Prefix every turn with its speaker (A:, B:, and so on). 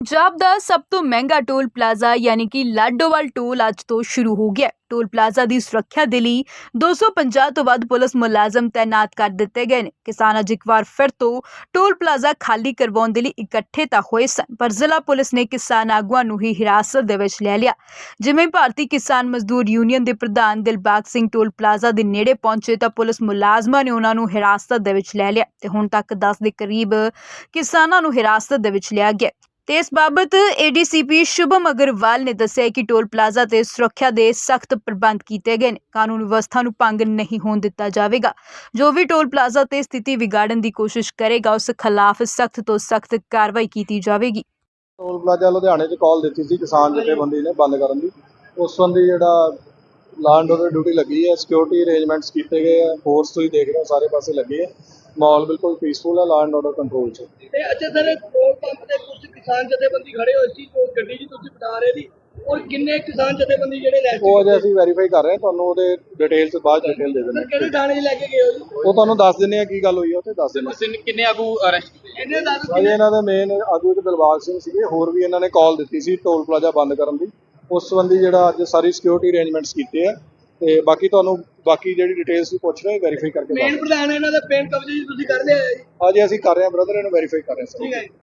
A: ਪੰਜਾਬ ਦਾ ਸਭ ਤੋਂ ਮਹਿੰਗਾ ਟੋਲ ਪਲਾਜ਼ਾ ਯਾਨੀ ਕਿ ਲਾਡੋਵਾਲ ਟੋਲ ਅੱਜ ਤੋਂ ਸ਼ੁਰੂ ਹੋ ਗਿਆ। ਟੋਲ ਪਲਾਜ਼ਾ ਦੀ ਸੁਰੱਖਿਆ ਦੇ ਲਈ 250 ਤੋਂ ਵੱਧ ਪੁਲਿਸ ਮੁਲਾਜ਼ਮ ਤਾਇਨਾਤ ਕਰ ਦਿੱਤੇ ਗਏ ਨੇ। ਕਿਸਾਨ ਅੱਜ ਇੱਕ ਵਾਰ ਫਿਰ ਤੋਂ ਟੋਲ ਪਲਾਜ਼ਾ ਖਾਲੀ ਕਰਵਾਉਣ ਦੇ ਲਈ ਇਕੱਠੇ ਤਾਂ ਹੋਏ ਸਨ, ਪਰ ਜ਼ਿਲ੍ਹਾ ਪੁਲਿਸ ਨੇ ਕਿਸਾਨ ਆਗੂਆਂ ਨੂੰ ਹੀ ਹਿਰਾਸਤ ਦੇ ਵਿੱਚ ਲੈ ਲਿਆ। ਜਿਵੇਂ ਭਾਰਤੀ ਕਿਸਾਨ ਮਜ਼ਦੂਰ ਯੂਨੀਅਨ ਦੇ ਪ੍ਰਧਾਨ ਦਿਲਬਾਗ ਸਿੰਘ ਟੋਲ ਪਲਾਜ਼ਾ ਦੇ ਨੇੜੇ ਪਹੁੰਚੇ ਤਾਂ ਪੁਲਿਸ ਮੁਲਾਜ਼ਮਾਂ ਨੇ ਉਹਨਾਂ ਨੂੰ ਹਿਰਾਸਤ ਦੇ ਵਿੱਚ ਲੈ ਲਿਆ ਤੇ ਹੁਣ ਤੱਕ 10 ਦੇ ਕਰੀਬ ਕਿਸਾਨਾਂ ਨੂੰ ਹਿਰਾਸਤ ਦੇ ਵਿੱਚ ਲਿਆ ਗਿਆ। ਤੇ ਇਸ ਬਾਬਤ ਏਡੀਸੀਪੀ ਸ਼ੁਭਮ ਅਗਰਵਾਲ ਨੇ ਦੱਸਿਆ ਕਿ ਟੋਲ ਪਲਾਜ਼ਾ ਤੇ ਸੁਰੱਖਿਆ ਦੇ ਸਖਤ ਪ੍ਰਬੰਧ ਕੀਤੇ ਗਏ ਨੇ। ਕਾਨੂੰਨ ਵਿਵਸਥਾ ਨੂੰ ਭੰਗ ਨਹੀਂ ਹੋਣ ਦਿੱਤਾ ਜਾਵੇਗਾ। ਜੋ ਵੀ ਟੋਲ ਪਲਾਜ਼ਾ ਤੇ ਸਥਿਤੀ ਵਿਗਾੜਨ ਦੀ ਕੋਸ਼ਿਸ਼ ਕਰੇਗਾ ਉਸ ਖਿਲਾਫ ਸਖਤ ਤੋਂ ਸਖਤ ਕਾਰਵਾਈ ਕੀਤੀ ਜਾਵੇਗੀ।
B: ਟੋਲ ਪਲਾਜ਼ਾ ਲੁਧਿਆਣੇ 'ਚ ਕਾਲ ਦਿੱਤੀ ਸੀ ਕਿਸਾਨ ਜਥੇਬੰਦੀ ਨੇ ਬੰਦ ਕਰਨ ਦੀ। ਉਸ ਸੰਬੰਧੀ ਜਿਹੜਾ ਲਾਅ ਐਂਡ ਆਰਡਰ ਡਿਊਟੀ ਲੱਗੀ ਹੈ, ਸਿਕਿਉਰਿਟੀ ਅਰੇਂਜਮੈਂਟਸ ਕੀਤੇ ਗਏ ਆ, ਫੋਰਸ ਤੁਸੀਂ ਦੇਖ ਰਹੇ ਹੋ ਸਾਰੇ ਪਾਸੇ ਲੱਗੇ ਹੈ, ਮਾਹੌਲ ਬਿਲਕੁਲ ਪੀਸਫੁਲ ਹੈ, ਲਾਅ ਐਂਡ ਆਰਡਰ ਕੰਟਰੋਲ 'ਚ।
C: ਤੇ ਅੱਛਾ ਸਰ, ਟੋਲ ਪੰਪ ਤੇ ਕੁਝ ਕਿਸਾਨ ਜਥੇਬੰਦੀ ਖੜੇ ਹੋਏ ਸੀ, ਉਹ ਗੱਡੀ ਜੀ ਤੁਸੀਂ ਬਤਾ ਰਹੇ ਸੀ, ਔਰ ਕਿੰਨੇ ਕਿਸਾਨ ਜਥੇਬੰਦੀ ਜਿਹੜੇ ਲੈ
B: ਉਹ ਅਜੇ ਅਸੀਂ ਵੈਰੀਫਾਈ ਕਰ ਰਹੇ ਹਾਂ, ਤੁਹਾਨੂੰ ਉਹਦੇ ਡਿਟੇਲਸ ਬਾਅਦ ਡਿਟੇਲ ਦੇ ਦਿੰਦੇ
C: ਕਿਹੜੇ ਥਾਣੇ 'ਚ ਲੈ ਕੇ ਗਏ ਹੋ ਜੀ?
B: ਉਹ ਤੁਹਾਨੂੰ ਦੱਸ ਦਿੰਦੇ ਆ ਕੀ ਗੱਲ ਹੋਈ ਹੈ, ਉੱਥੇ ਦੱਸ ਦਿੰਦੇ।
D: ਕਿੰਨੇ ਆਗੂ ਅਰੈਸਟ ਕੀਤੇ?
C: ਇਹਨੇ ਦੱਸ
B: ਅਜੇ ਇਹਨਾਂ ਦੇ ਮੇਨ ਆਗੂ ਇੱਕ ਦਿਲਬਾਗ ਸਿੰਘ ਸੀਗੇ, ਹੋਰ ਵੀ ਇਹਨਾਂ ਨੇ ਕਾਲ ਦਿੱਤੀ ਸੀ ਟੋਲ ਪਲਾਜ਼ਾ ਬੰਦ ਕਰਨ ਦੀ। ਉਸ ਸੰਬੰਧੀ ਜਿਹੜਾ ਅੱਜ ਸਾਰੀ ਸਿਕਿਉਰਿਟੀ ਅਰੇਂਜਮੈਂਟਸ ਕੀਤੇ ਆ ਤੇ ਬਾਕੀ ਤੁਹਾਨੂੰ ਬਾਕੀ ਜਿਹੜੀ ਡਿਟੇਲਸ ਵੀ ਪੁੱਛ ਰਹੇ ਵੈਰੀਫਾਈ ਕਰਕੇ
C: ਮੇਨ ਪ੍ਰਧਾਨ ਇਹਨਾਂ ਦਾ ਪੇਨ ਕਬਜ਼ੇ ਜੀ ਤੁਸੀਂ ਕਰ ਲਿਆ ਹੈ ਜੀ?
B: ਅਜੇ ਅਸੀਂ ਕਰ ਰਹੇ ਹਾਂ ਬ੍ਰਦਰ, ਇਹਨੂੰ ਵੈਰੀਫਾਈ ਕਰ ਰਹੇ ਹਾਂ।
C: ਠੀਕ ਹੈ ਜੀ।